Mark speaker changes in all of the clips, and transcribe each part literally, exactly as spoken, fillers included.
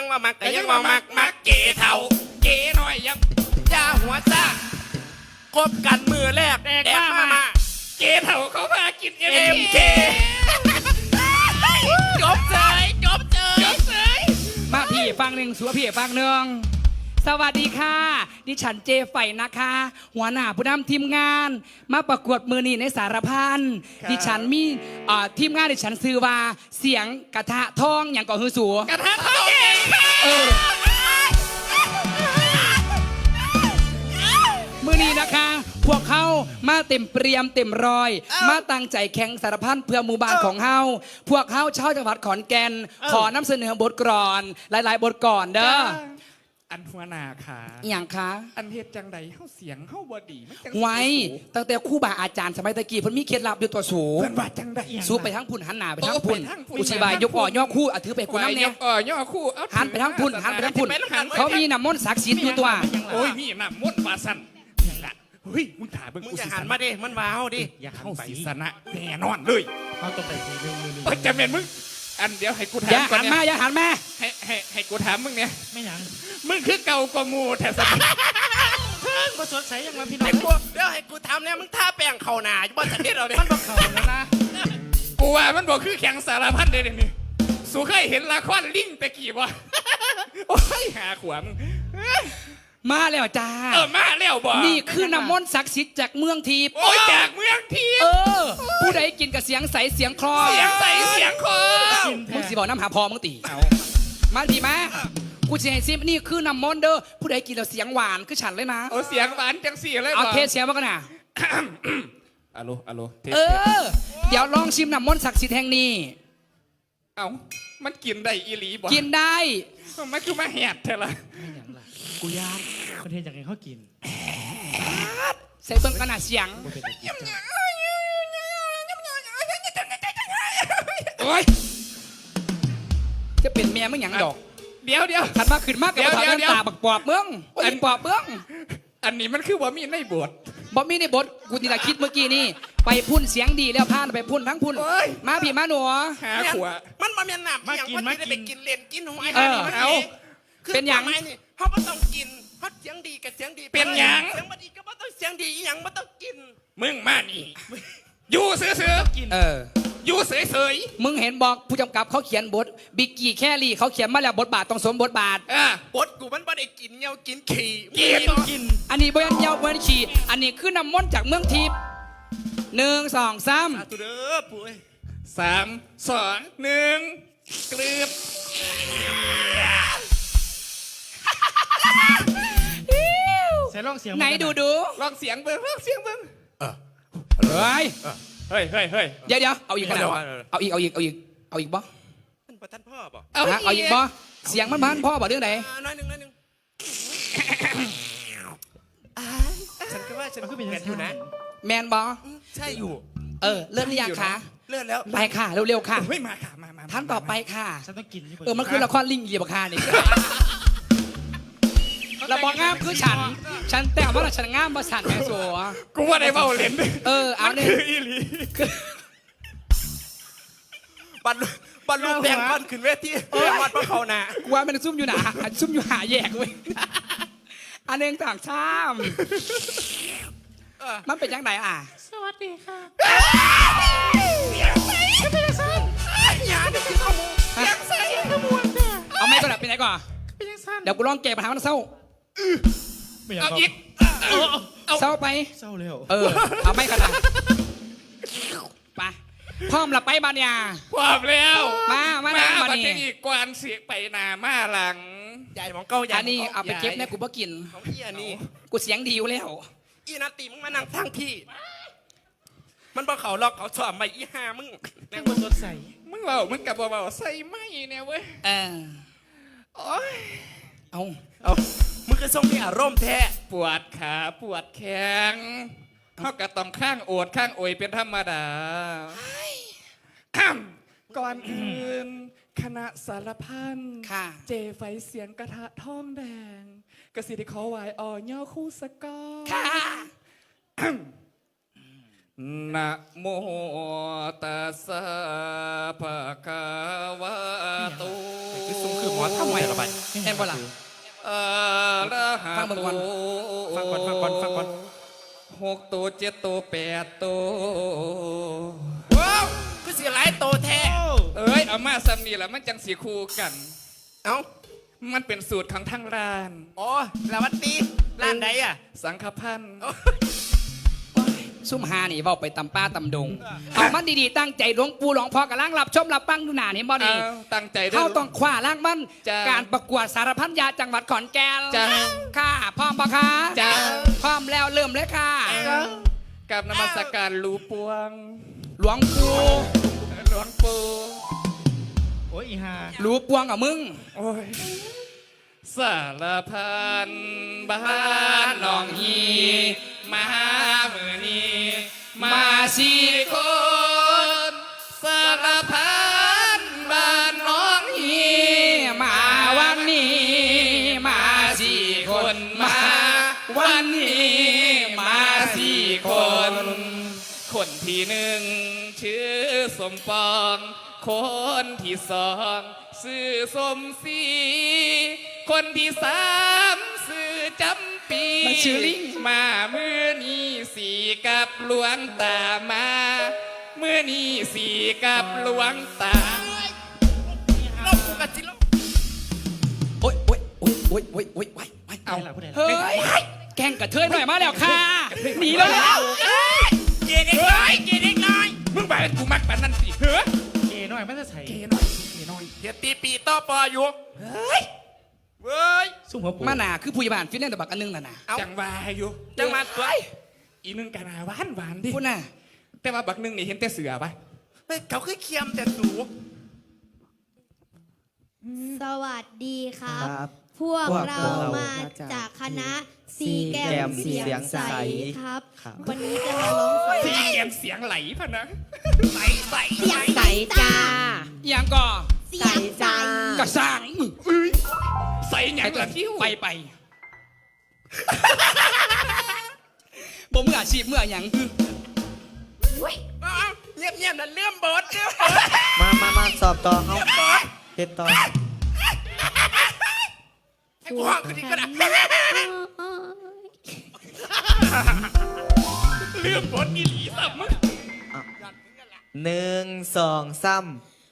Speaker 1: ว่ามักก็ยังว่ามักมักเก๋เท่าเก๋หน่อยยังยาหัวซ่าคบกันมือแรกแดกมามาเก๋เท่าเขาพากินเอ็มเคจบเลยจบเลยจบเลย
Speaker 2: มาพี่ฟังหนึ่งสัวพี่ฟังหนึ่งสวัสดีค่ะดิฉันเจไฝนะคะ หัวหน้าผู้นำทีมงานมาประกวดมือนีในสารพันดิฉันมีทีมงานดิฉันซื้อว่าเสียงกระทะทองอย่างก่อฮือสัว
Speaker 1: กระทะทอง
Speaker 2: เออมือนี้นะคะพวกเขามาเต็มเปรียมเต็มรอยมาตั้งใจแข่งสารพันเพื่อหมู่บ้านของเฮาพวกเฮาชาวจังหวัดขอนแก่นขอนำเสนอบทกลอนหลายๆบทก่อนเด้อ
Speaker 1: อันหัวหน้าค่ะ
Speaker 2: อย่างคะ
Speaker 1: อันเฮ็ดจังใดเฮาเสียงเฮาบ่ดีมันจัง
Speaker 2: ไว้ตั้งแต่ครูบาอาจารย์สมัยตะกี้เพิ่นมีเคล็ดลับอยู่ตัวสูง
Speaker 1: เพิ่นว่าจังใด
Speaker 2: สูไปทั้งพุ่นหันหน้าไปทั้งพุ่นกูสิบายยกอ่อย่อคู่อ่ะถือไปกูน้ำเนี่ย
Speaker 1: ยกอ่อย่อคู่
Speaker 2: หันไปทั้งพุ่นหันไปทั้งพุ่นเขามีน้ำมนต์ศักดิ์สิทธิ์อยู่ตัว
Speaker 1: โอ้ยมีน้ำมนต์ว่าซั่นนั่นล่ะเฮ้ยมึงถ่าเบิ่งกูสิหันมาดิมันว้าวดิอย่าเข้าศีสนะแน่นอนเลย
Speaker 3: เฮาต้องไปทีนึง
Speaker 1: เอ้ยจะแม่นมึงอันเดี๋ยวให้กูถาม
Speaker 2: อย่าหันมาอย่าหันมา
Speaker 1: ให้ให้ให้กูถามมึงเนี่ย
Speaker 3: ไม่หยัง
Speaker 1: มึงคือเก่ากว่างูแท้สัก
Speaker 3: เพิ่งมาสดใสยังมาพี่น้อง
Speaker 1: เดี๋ยวให้กูถามเนี่ยมึงท่าแป้งเข่าหนาอยู่บ้านจันทร์เราเนี่ย
Speaker 3: มันบอกเขาแล้วนะ
Speaker 1: กูว่ามันบอกคือแข่งสารพันเดี๋ยวนี้สูเคยเห็นละครลิงตะกี้วะโอ้ยหาขวาง
Speaker 2: มาแล้วจ้า
Speaker 1: เออมาแล้วบ่
Speaker 2: นี่คือน้ำมนต์ศักดิ์สิทธิ์จากเมืองทิพย์
Speaker 1: โอ้ยจากเมืองทิพย์
Speaker 2: เออผู้ใดกินกับเสียงใสเสียงคลอ
Speaker 1: เสียงใสเสียงคลอ
Speaker 2: มึงสิบอกน้ำหาพอมึงตีมาดีมากูจะให้ซิมนี่คือน้ำมนต์เด้อผู้ใดกินแล้วเสียงหวานคือฉันเลยนะ
Speaker 1: โอ้เสียงหวานจังสี่เลย
Speaker 2: เอาเทสเสียงมากันนะ
Speaker 1: อะโลอะโล
Speaker 2: เออเดี๋ยวลองชิมน้ำมนต์ศักดิ์สิทธิ์แห่งนี้
Speaker 1: เอ้ามันกินได้อีหลีบ่
Speaker 2: กินได้
Speaker 1: มันคือมาแหดเท่าไร
Speaker 2: กูยาก
Speaker 3: ประเทศจากไหนเขากิน
Speaker 2: ใส่เบิ้งขนาดเสียงโอ้ยจะเป็นแม่มึงหยังดอก
Speaker 1: เดี๋ยวเดี๋ยว
Speaker 2: ขันมาขึ้นมากกับถามตาบักปอบเมืองอันปอบเมือง
Speaker 1: อันนี้มันคือบ่มีในบท
Speaker 2: บ่มีในบทกูนี่ละคิดเมื่อกี้นี่ไปพุ่นเสียงดีแล้วพานไปพุ่นทั้งพุ่นมาพี่มาหนู
Speaker 1: หาขวามันมาเมียนหนับมากินมากินไปกินเล่นกินหอย
Speaker 2: เอาเป็นอย่าง
Speaker 1: เขาไม่ต้องกินเพราะเสียงดีกับเสียงดีเป็นอย่างเสียงไม่ดีก็ไม่ต้องเสียงดีอย่างไม่ต้องกินมึงมานี่อยู่เสือเสือกินเอออยู่เสยเสย
Speaker 2: มึงเห็นบอกผู้กำกับเขาเขียนบทบิกกี้แครี่เขาเขียนมาแล้วบทบาทต้องสมบทบาท
Speaker 1: อ่ะบทกูมันไม่ได้กินเงากินขี่กิน
Speaker 2: กินอันนี้บยันเงาบยันขี่อันนี้คือน้ำมนต์จากเมืองทิพย์หนึ่งสองสาม
Speaker 1: ตัวเด้อปุ้ยสามสองหนึ่งกลืบ
Speaker 3: ใส่ลองเสียง
Speaker 2: ไหนดูดู
Speaker 1: ลองเสียงเบิ้งลองเสียงเบิ้ง
Speaker 2: เฮ้ย
Speaker 1: เฮ้ยเฮ้ยเฮ้ย
Speaker 2: เดี๋ยวเดี๋ยวเอาอีกขนาดเอาอีกเอาอีกเอาอีกเอาอีกบ่
Speaker 1: มันประทันพ่อบ่
Speaker 2: เอาเอาอีกบ่เสียงมันพันพ่อบ่เรื่องไหน
Speaker 1: น้อยหนึ่งน้อยหนึ่งฉันก็ว่าฉันก็เป็นอยู่นะ
Speaker 2: แมนบ่
Speaker 1: ใช่อยู่
Speaker 2: เออเลื่อนหรือยังคะ
Speaker 1: เลื่อนแล้ว
Speaker 2: ไปค่ะเร็วๆค่ะ
Speaker 1: เฮ้ยมาค่ะมามา
Speaker 2: ท่านต่อไปค่ะ
Speaker 3: ฉันต้องกิน
Speaker 2: เออมันคือละครลิงเรียบคานี่เราบอกงามคือฉันฉันแต่ว่าฉันงามประสันแม่สัว
Speaker 1: กูว่าได้เบาเล่น
Speaker 2: เออเอาเนี่ย
Speaker 1: คืออีหลีบันบันลูกแดงบันขึ้นเวทีวัดพระเขาหนา
Speaker 2: กูว่ามันซุ่มอยู่หนาซุ่มอยู่หาแยกเว้ยอันเองต่างชาติมันเป็นยังไงอ่ะ
Speaker 3: สวัสดีค่ะ
Speaker 1: ยังใส่ก็เป็นสั้นยังจะกินขโมยยังใส่ขโมย
Speaker 2: เอาไม่ก่อนเป็นไงก่อน
Speaker 3: เป็นยังสั้น
Speaker 2: เดี๋ยวกูลองเก็บปัญหามันเศร้า
Speaker 1: เอาอีก
Speaker 2: เศร้าไป
Speaker 3: เศร้าเร็ว
Speaker 2: เออเอาไม่ขนาดไปพร้อมละไปบานยา
Speaker 1: พร้อมแล้ว
Speaker 2: มามา
Speaker 1: มา
Speaker 2: มา
Speaker 1: นี่อีกกวนเสียไปนามาหลังใหญ่ของเก้าใหญ่
Speaker 2: อันนี้เอาไปเก็บแม่กูบ่กิน
Speaker 1: ของพี่อันนี้
Speaker 2: กูเสียงดีอยู่แล้ว
Speaker 1: อีนาตีมึงมานั่งทั้งพี่มันบอกเขาล็อกเขาสอบมาอีห้ามึง
Speaker 3: แม่งมันสดใส
Speaker 1: มึงเบามึงกับเบาใส่ไม่เนี่ยเว้ย
Speaker 2: เออ
Speaker 1: โอ้ย
Speaker 2: เอา
Speaker 1: เอามึงก็ส่งมีอารมณ์แท้ปวดขาปวดแขนเขากระต้องข้างโอดข้างโอยเป็นธรรมดาก่อนอื่นคณะสารพันเจไฟเสียงกระทะทองแดงกระสีที่ขอไหวอ่อย่อคู่สกอ
Speaker 2: ค่ะ
Speaker 1: นะโมตัสสะภะคะวะโต
Speaker 3: คือซุ้มคือหมอทำไมละบัด
Speaker 2: เห็นบ่ล่ะ
Speaker 1: อะระหะ
Speaker 2: ฟังเบิ่งก่อน
Speaker 3: ฟังก่อนฟังก่อนฟังก่อน
Speaker 1: หกตัวเจ็ดตัวแปดตัว
Speaker 4: ว้าวคือสิหลายโตแท้
Speaker 1: เอ้ยเอามาซ้ำนี่แหละมันจังสีคู่กัน
Speaker 4: เอ้า
Speaker 1: มันเป็นสูตรของทางร้าน
Speaker 4: อ๋อแล้ววันตีร้านใดอ่ะ
Speaker 1: สังฆพันธ์
Speaker 2: ซุ่มหานี่เว้าไปตำป้าตำดง เอามันดีๆตั้งใจหลวงปู่หลวงพ่อกำลังรับชมรับฟังดูหน้านี่บ่
Speaker 1: เอา
Speaker 2: นี่
Speaker 1: ตั้งใจด้ว
Speaker 2: เขา
Speaker 1: ย
Speaker 2: ต้องคว้าล่างมัน
Speaker 1: จ้า
Speaker 2: การประกวดสารพันยาจังหวัดขอนแก่น
Speaker 1: จ้า
Speaker 2: ค่ะพร้อมปะคะ
Speaker 1: จ้า
Speaker 2: พร้อมแล้วเริ่มเลยค่ะ
Speaker 1: กับนมัสการหลูปวง
Speaker 2: หลวงปู่
Speaker 1: หลวงปู่
Speaker 3: โอ้ยอีห่า
Speaker 2: หลูปวงกับมึง
Speaker 1: โอ้ยสารพันบ้านหนองฮีมามือนี้มาสี่คนสารพันบ้านหนองฮี
Speaker 2: มาวันนี้มาสี่คนมาวันนี้มาสี่คน
Speaker 1: คนที่หนึ่งชื่อสมปองคนที่สองชื่อสมศรีคนที่สามชื่อจำปี
Speaker 2: มันชื่อลิง
Speaker 1: มามือนี้สีกับหลวงตามามือนี้สีกับหลวงตา
Speaker 4: ลบกูกันจิลบ
Speaker 2: โอ๊ยโอ๊ยโอ๊ยโอ๊ยโอ๊ยโอ๊ยโอ๊ยโอ๊ย
Speaker 3: เอาล่ะผู้ใดล่ะ
Speaker 2: เฮ้ยแกงกระเทยหน่อยมาแล้วค่ะหนีแล้ว
Speaker 4: เกเด็กน้อยเกเด็กน้อย
Speaker 1: มึงไปกูมักปานนั่นสิเฮ้อ
Speaker 3: เกน้อยไม่ได้ใส่
Speaker 1: เกหน่อยเกหน่อย
Speaker 4: เดี๋ยวตีปีต่อปออยู่เฮ้ยเว้ย
Speaker 3: ซุ้มหัวปู
Speaker 2: มาหนาคือผู้ใหญ่บ้านฟินแลนด์ตะบักอันนึงน่ะนะ
Speaker 4: เอา
Speaker 1: จังวาอยู่
Speaker 4: จังมาสวย
Speaker 1: อีนึงกันหาหวานหวานดิ
Speaker 2: พูดน่ะ
Speaker 1: แต่ว่าบักนึงนี่เห็นแต่เสือปะ
Speaker 4: เฮ้ยเขาคือเคียมแต่สู
Speaker 5: สวัสดีครับ
Speaker 6: ครับ
Speaker 5: พวก
Speaker 6: พวก
Speaker 5: เรา
Speaker 6: เรา
Speaker 5: มา
Speaker 6: มาจาก
Speaker 5: จากคณะซี
Speaker 6: ซี
Speaker 5: แก
Speaker 6: แก
Speaker 5: ม
Speaker 6: ม
Speaker 5: เสียง
Speaker 6: เสียง
Speaker 5: ใส
Speaker 6: ใส
Speaker 5: ครับ
Speaker 6: ครับ
Speaker 5: วันนี้จะมาร้องเพล
Speaker 1: สี
Speaker 5: ง
Speaker 1: แกมเสียงไหลพะนะ
Speaker 4: ใสใส
Speaker 5: เสียงใสจ้า
Speaker 2: อย่างก็
Speaker 5: เสียงใส
Speaker 2: กระสร้าง
Speaker 1: ใส่หยังละที่
Speaker 2: ไปไปบ่มืออาชีพมืออย่างคือ
Speaker 4: เอาเอาเงียบเงียบๆนั่นเลื่อมบดเลื่อมบด
Speaker 6: มามามาสอบต่อเฮาเฮ็ดต่อ
Speaker 4: ให้กูห้องคืนนี้ก็ได้
Speaker 1: เรื่องบทอีหลีสัมมึง
Speaker 6: หนึ่งสองสาม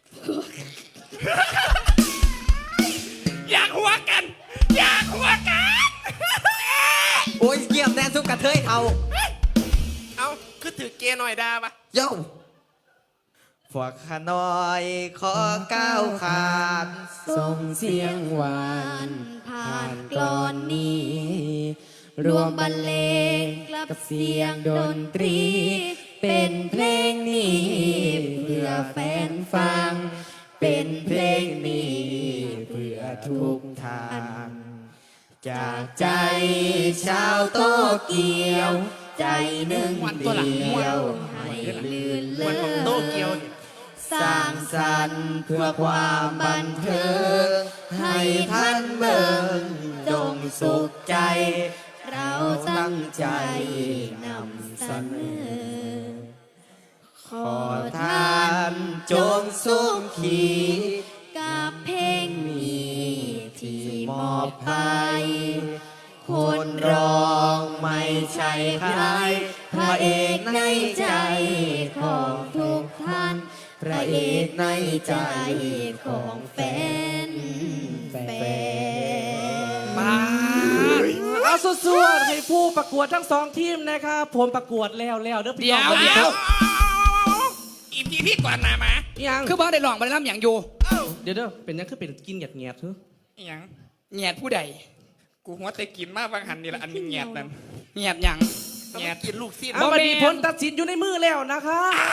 Speaker 1: อยากหัวกัน อยากหัวกัน
Speaker 6: โอ้ยเยี่ยมแน่สุกกระเทยเท่า
Speaker 4: เอาคือถือเกหน่อยดาปะ
Speaker 6: โย่พวกข้าน้อยขอก้าวขานส่งเสียงหวาน
Speaker 5: ผ่านกลอนนี้ รวมบรรเลงกับเสียงดนตรี เป็นเพลงนี้ เพื่อแฟนฟัง เป็นเพลงนี้
Speaker 6: เพื่อทุกทาง จากใจชาวโตเกียว ใจหนึ่งเดียว
Speaker 5: ให้ลื่นเล
Speaker 4: วันของโต
Speaker 5: ย
Speaker 4: เกียวเนี่ย
Speaker 5: สร้างสรรค์เพื่อความบันเทิง ให้ท่านเบิ่งจงสุขใจ เราตั้งใจนำเสนอ ขอท่านจงสุขขีกับเพลงนี้ที่มอบให้คนร้องไม่ใช่ใคร พระเอกในใจของทุกท่าน พระเอกในใจของแฟนแฟน
Speaker 2: มา
Speaker 3: เอาสวดๆให้ผู้ประกวดทั้งสองทีมนะครับผมประกวดแล้วแล้วเด้อพี่
Speaker 2: เดี๋ยว
Speaker 3: น้อง
Speaker 2: เดี๋ยว
Speaker 1: อีพีพี่ก่อนนามา
Speaker 3: ยัง
Speaker 2: คือบ่ได้ลองบ่ได้ล่ำอย่างอยู่
Speaker 3: เดี๋ยวเด้อเป็นยังคือเป็นกินหยาดเงียดๆเถอะ
Speaker 1: อหยัง
Speaker 2: แงดผู้ใด
Speaker 1: กูหัวแต่กินมากบางหันนี่ละอันนี้แงดนั่น
Speaker 2: แงดหยัง
Speaker 4: แง่กินลูกสิ้น
Speaker 3: เอา
Speaker 2: บ่
Speaker 3: มา
Speaker 2: แม่น
Speaker 3: ดีผลตัดสินอยู่ในมือแล้วนะคะ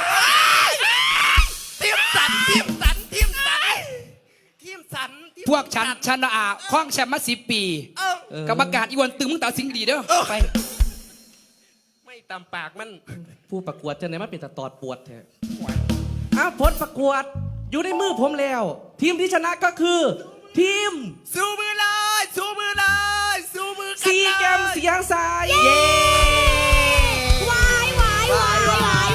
Speaker 4: ทีมสันทีมสันทีมสันทีมสันทีม
Speaker 2: พวกฉันชนะอาคล้องแชมป์มาสิบปี
Speaker 4: เอ้า
Speaker 3: เออ
Speaker 2: กับประกาศอีวันตึงมึงตาสิงดีเด้อไป
Speaker 4: ไม่ตำปากมัน
Speaker 3: ผู้ประกวดจะไหนมาเป็นตะตอดปวดแท้เอาผลประกวดอยู่ในมือผมแล้ว ทีมที่ชนะก็คือ ทีม
Speaker 4: สู้มือเลยสู้มือเลยสู้มือกัน
Speaker 3: ซี
Speaker 4: เลย
Speaker 3: แกมเสียงสาย
Speaker 5: วายวายวายวายว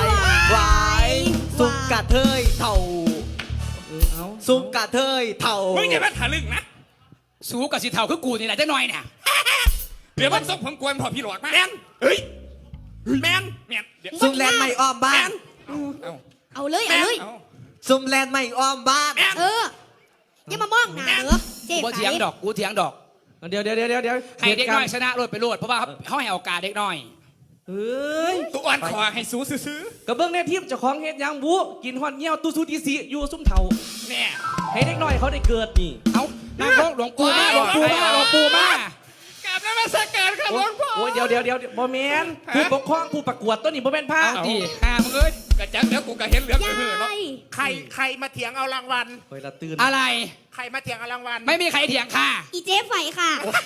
Speaker 6: ะเทยเท่า
Speaker 3: เออเอา
Speaker 6: ซุมกะเทยเท่า
Speaker 1: มึงอย่ามาทะลึ่งนะ
Speaker 2: สูกับสิเท่าคือกูนี่แหละจะหน่อยเนี่ย
Speaker 1: เดี๋ยวมันส่งผมกวนพอพี่หลอกมา
Speaker 4: แมน
Speaker 1: เฮ้ย
Speaker 4: แมน
Speaker 1: เมียนเดี๋ยว
Speaker 6: ซุมแลนไม่อ้อมบ้าน
Speaker 1: เอา
Speaker 5: เอาเลยเอาเลย
Speaker 1: เอา
Speaker 6: ซุมแลนไม่อ้อมบ้าน
Speaker 5: เอออย่ามามองหน้าเด้อเจ๊
Speaker 2: กู
Speaker 5: ไฝ
Speaker 2: เถียงดอกกูเถียงดอก
Speaker 3: เดี๋ยวเดี๋ยวเดี๋ยวเดี๋ยว
Speaker 2: ให้เด็กน้อย
Speaker 3: หตุ
Speaker 2: ชนะโลดไปโลดเพราะว่าเขาให้โอกาสเด็กน้อย
Speaker 3: เฮ้ย
Speaker 1: ตัวอ่อนคอให้สู้ซื้อก
Speaker 3: ระเบื้องในทีมเจ้าของเฮ็ดหยังบุกินฮอดเงี้ยวตู้ซูดีซีอยู่ซุ่มเท่า
Speaker 1: ๆเนี่ย
Speaker 3: ให้เด็กน้อยเขาได้เกิดนี่
Speaker 2: เอานางหลวงปู่มาหลวงปู่มาหลวงปู่มาก
Speaker 1: ราบนมัสการครับหลวงพ่อ
Speaker 3: โอ้ยเดี๋ยวเดี๋ยวเดี๋ยวบ่แมนผู้ปกครองผู้ประกวดตัวนี้บ่แม่นผ้า
Speaker 2: เอาดิห้ามึงเอ้ย
Speaker 1: กระจังเดี๋ยวกูก็เห็นเหลือง
Speaker 5: ยา
Speaker 1: เหือเนาะ
Speaker 5: ย
Speaker 4: ใครใครมาเถียงเอารางวัล
Speaker 3: เฮ้ยละตื่น
Speaker 2: อะไร
Speaker 4: ใครมาเถียงเอารางวัล
Speaker 2: ไม่มีใครเถียงค่ะ
Speaker 5: อีเจ๊ไฝค่ะ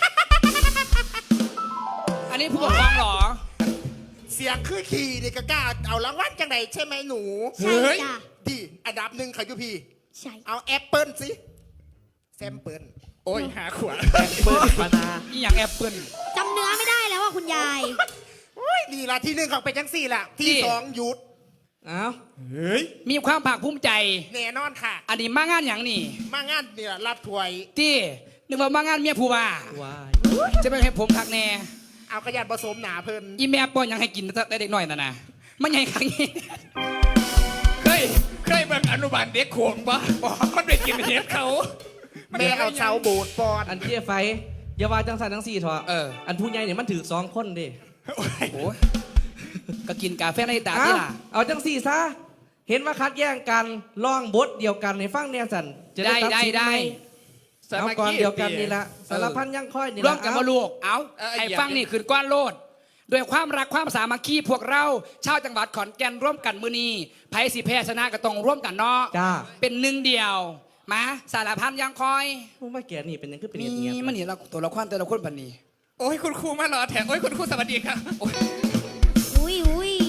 Speaker 2: อันนี้ผู้ปกครองเหรอ
Speaker 4: เสียงคือขี่นี่ก็กล้าเอารางวัลจังไหนใช่ไหมหนู
Speaker 5: ใช่จ้ะ
Speaker 4: ดีอันดับหนึ่งใครยุพี่
Speaker 5: ใช่
Speaker 4: เอาแอปเปิลสิแซมเปิล
Speaker 1: โอ้ยหาขวา
Speaker 3: เปิดปานา
Speaker 2: อีหยังแอปเปิล
Speaker 5: จำเนื้อไม่ได้แล้วว่าคุณยาย
Speaker 4: โอ้ยนี่ละที่หนึ่งของเป็นจังสี่ละที่
Speaker 2: นี่
Speaker 4: สองหยุด
Speaker 3: เอ้า
Speaker 1: เฮ้ย
Speaker 2: มีความภาคภูมิใจ
Speaker 4: แน่นอนค่ะ
Speaker 2: อันนี้มางานอย่างนี่
Speaker 4: มางานเนี่ยรับถวย
Speaker 2: ที่นึกว่ามางานเมียผู้ว่า
Speaker 3: ว้าย
Speaker 2: จะไม่ให้ผมทักแน่
Speaker 4: เอากระยานผสมหนาเพิ่น
Speaker 2: อีแม่ป้อนยังให้กินแต่เด็กหน่อยน่ะนะมันใหญ่ครั้งนี้
Speaker 1: เคยเคยเบิ่งอนุบาลเด็กโขงปะมันไปกินเห็ดเขา
Speaker 4: แม่เอาเสาโบดปอน
Speaker 3: อันเจี๊ยไฟอย่าว่าจังสันจังสี่เถอะ
Speaker 2: เออ
Speaker 3: อันผู้ใหญ่เนี่ยมันถือสองคนเด้
Speaker 1: โอ้ย
Speaker 2: โอ้ยก็กินกาแฟในตา
Speaker 3: เอ้า
Speaker 2: ที่ล่ะ
Speaker 3: เอาจังสี่ซะเห็นว่าคัดแย่งกันร้องบทเดียวกันในฟังเนี่ยสันจะ
Speaker 2: ได้
Speaker 3: ตั
Speaker 2: ได้
Speaker 3: สิน
Speaker 2: ได้
Speaker 3: หมเอาก่อนเดียวกันนี่ละสารพันยังค่อยนี่ละ
Speaker 2: ร่วมกันมา
Speaker 3: เอ้า
Speaker 2: ลูก เอาไอ้ฟังนี่คืนก้อนโลดด้วยความรักความสามัคคีพวกเราชาวจังหวัดขอนแก่นร่วมกันมือนีไผ่สิแพ้ชนะก็ต้องร่วมกันเนาะ
Speaker 3: จ้า
Speaker 2: เป็นหนึ่งเดียว มาสารพันยังคอย
Speaker 3: ผู้มาแก่นี่เป็นยังคือเป็น
Speaker 2: มี
Speaker 3: เงียบๆ
Speaker 2: มันนี่เราตัวละครแต่ละคนปันนี้
Speaker 1: โอ้ยคุณครูมารอแถมโอ้ยคุณครูสวัสดีครับโอ้ย
Speaker 5: อุ้ยอุ้ย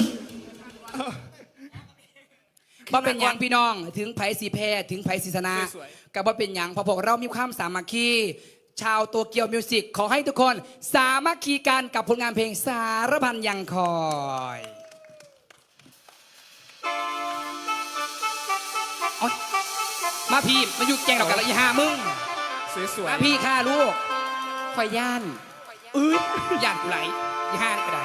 Speaker 2: ว่าเป็นหยังพี่น้องถึงไผ่สีแพ้ถึงไผ่สีชนะกับว่าเป็นหยังเพอพวกเรามีความสามัคคีชาวตัวเกียวมิวสิกขอให้ทุกคนสามัคคีกันกับผลงานเพลงสารพันยังคอยโอ๊ยมาพี่มาอยู่แกงดอกกันละอีห้ามึง
Speaker 1: สวย
Speaker 2: มาพี่ค่ะลูกคอยย่านเอ้ยย่านกูไหลอีห้านี่ก็ได้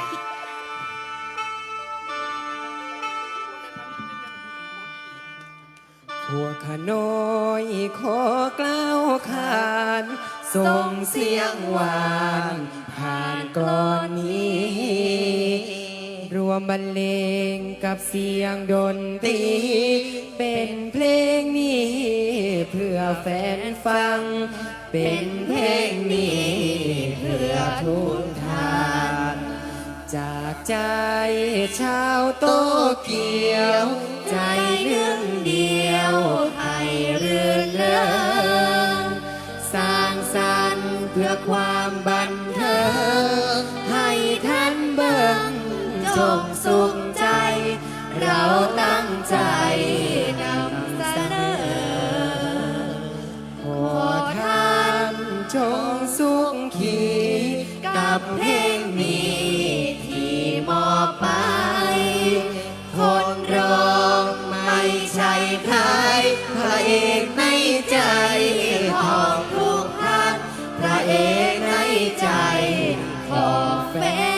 Speaker 6: พวกข้าน้อยขอกล่าวขานส่งเสียงหวานผ่านกลอนนี้ รวมบรรเลงกับเสียงดนตรีเป็นเพลงนี้เพื่อแฟนฟัง เป็นเพลงนี้เพื่อทุกท่าน จากใจชาวโตเกียว ใจหนึ่งเดียวให้เรื่นเริงสร้างสรรค์เพื่อความบันเทิงให้ท่านเบิ่งจงสุขใจ เราตั้งใจนำเสนอขอท่านจงสุขขีกับเพลงนี้ที่มอบไป คนร้องไม่ใช่ใครพระเอกในใจของทุกท่านพระเอกในใจของแฟ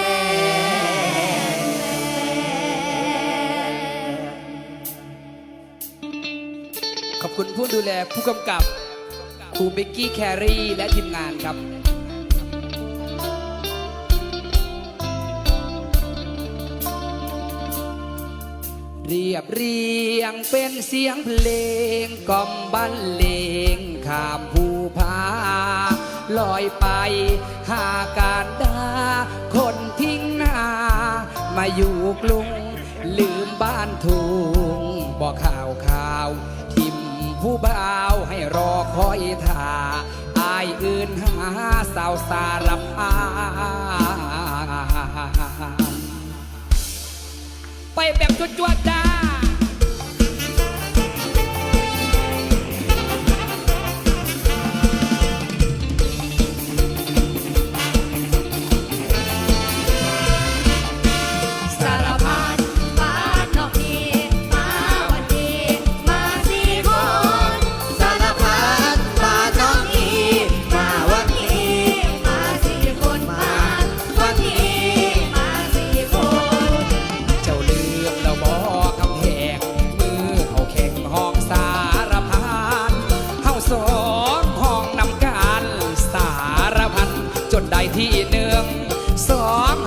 Speaker 6: น
Speaker 2: ขอบคุณผู้ดูแลผู้กำกับครูเบกกี้แครีและทีมงานครับ เรียบเรียงเป็นเสียงเพลงกล่อมบรรเลงข้ามภูผาลอยไปหาการดาคนทิ้งหน้า มาอยู่กรุงลืมบ้านทุ่งบอกข่าวข่าวทิมผู้บ่าวให้รอคอยท่าอายอื่นหาสาวสารพันไปแบบจวดๆจ้า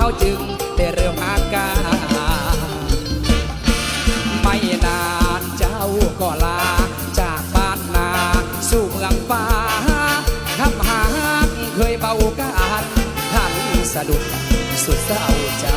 Speaker 2: เขาจึงได้เริ่มอาการไม่นานเจ้าก็ลาจากบ้านนาสู่เมืองฟ้าคำหาเคยเบากันท่านสะดุดสุดเศร้าใจ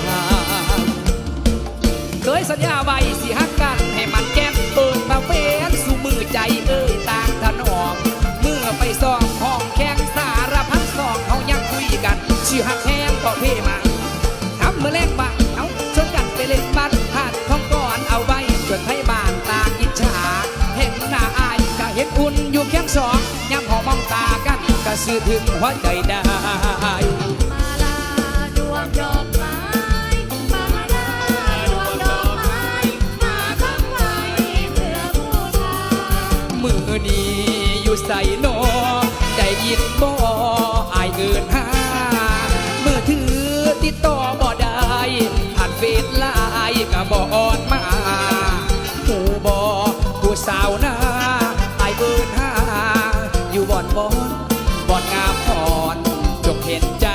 Speaker 2: เคยสัญญาไว้สิฮักกันให้มันแก้มเปิดมาเป็นสู่มือใจเอ้ยต่างถนอมเมื่อไปซ้อมห้องแข่งสารพัดสองเขายังคุยกันชื่อฮักแห้งก็เพ่มาทำเมื่อแรกบังเอาชวนกันไปเล่นบ้านหาดท้องก่อนเอาไว้จนไทยบ้านตาอิจฉาเห็นหน้าอายก็เห็นอุ่นอยู่แค่สองย้ำหอมองตากันก็สื่อถึงหัวใจได้
Speaker 5: มาลาดวงดอกไม้มาลาดวงดอกไม้มาตั้งไว้เพื่อบูชา
Speaker 2: มือนี้อยู่ใส่นอได้ยินบ่อายเกินหามือถือติดต่อบ่ได้ผ่านเฟซไลน์ก็บ่ออนมาหมู่บ่ผู้สาวหน้าอายเกินหาอยู่บ่อนบ่อนบ่อนงามอ่อนจงเห็นใจ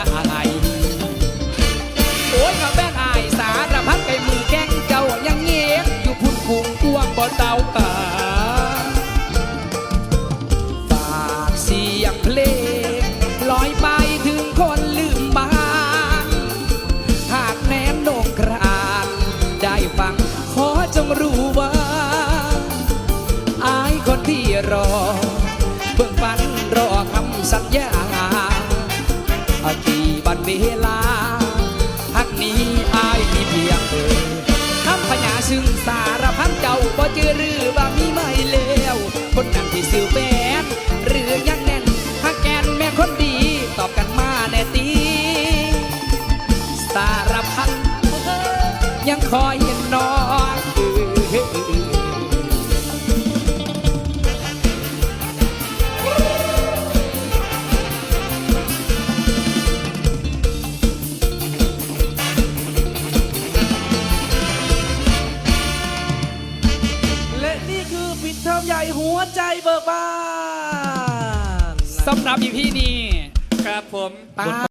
Speaker 2: โอ้ยมาแม่นอายสารพัดไก่มือแข้งเจ้ายังเงี้ยอยู่พุ่นคุงกวงบ่เตาป่าฝากเสียงเพลงลอยไปถึงคนลืมบ้านหากแนมโหนงกรานได้ฟังขอจงรู้ว่าอายคนที่รอเบิ่งฝันรอคำสัญญาอากี่บันเวลาหักนี้อายมีเพียงเธอคำพญาซึ่งสารพันเจ้าบ่เจอหรือว่ามีไม่แล้วคนนั้นที่สื่อแฟนหรือยังแน่นหักแกนแม่คนดีตอบกันมาแน่ตีสารพันยังคอยเห็นน้อง
Speaker 3: และนี่คือปิดเทอมใหญ่หัวใจเบิกบาน
Speaker 2: สำหรับอีพีนี้
Speaker 1: ครับผม
Speaker 2: ป้า